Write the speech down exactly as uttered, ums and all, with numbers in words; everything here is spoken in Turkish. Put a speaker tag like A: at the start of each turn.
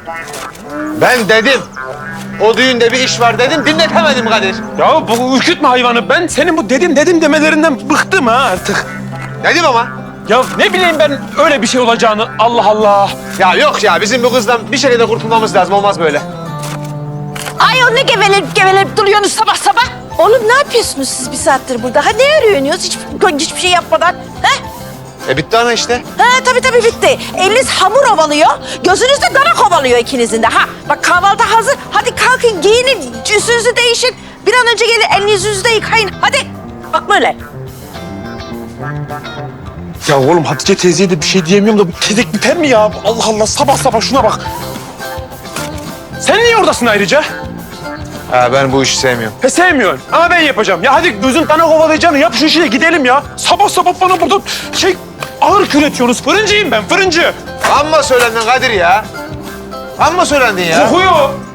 A: Ben dedim. O düğünde bir iş var dedim, dinletemedim Kadir.
B: Ya bu ürkütme hayvanı. Ben senin bu dedim dedim demelerinden bıktım ha artık.
A: Dedim ama.
B: Ya ne bileyim ben öyle bir şey olacağını. Allah Allah.
A: Ya yok ya, bizim bu kızdan bir şekilde kurtulmamız lazım, olmaz böyle.
C: Ay o ne geveleyip geveleyip duruyorsunuz sabah sabah? Oğlum ne yapıyorsunuz siz bir saattir burada? Ha ne arıyorsunuz hiç, hiçbir şey yapmadan? Ha?
A: E bitti ana işte.
C: Ha tabii tabii bitti. Eliniz hamur ovalıyor, gözünüz de dana kovalıyor ikinizin de. Ha bak kahvaltı hazır. Hadi kalkın giyinin, üstünüzü değişin. Bir an önce gelin elinizi yüzünüzü de yıkayın. Hadi. Bak böyle.
B: Ya oğlum Hatice teyzeye de bir şey diyemiyorum da bu tezek biter mi ya? Allah Allah sabah sabah şuna bak. Sen niye oradasın ayrıca?
A: Ha, ben bu işi sevmiyorum.
B: He sevmiyorsun ama ben yapacağım. Ya hadi gözün tane kovalayacağını yap şu işi de gidelim ya. Sabah sabah bana burada şey ağır küretiyorsunuz. Fırıncıyım ben fırıncı.
A: Amma söylendin Kadir ya. Amma söylendin ya.
B: Kokuyor.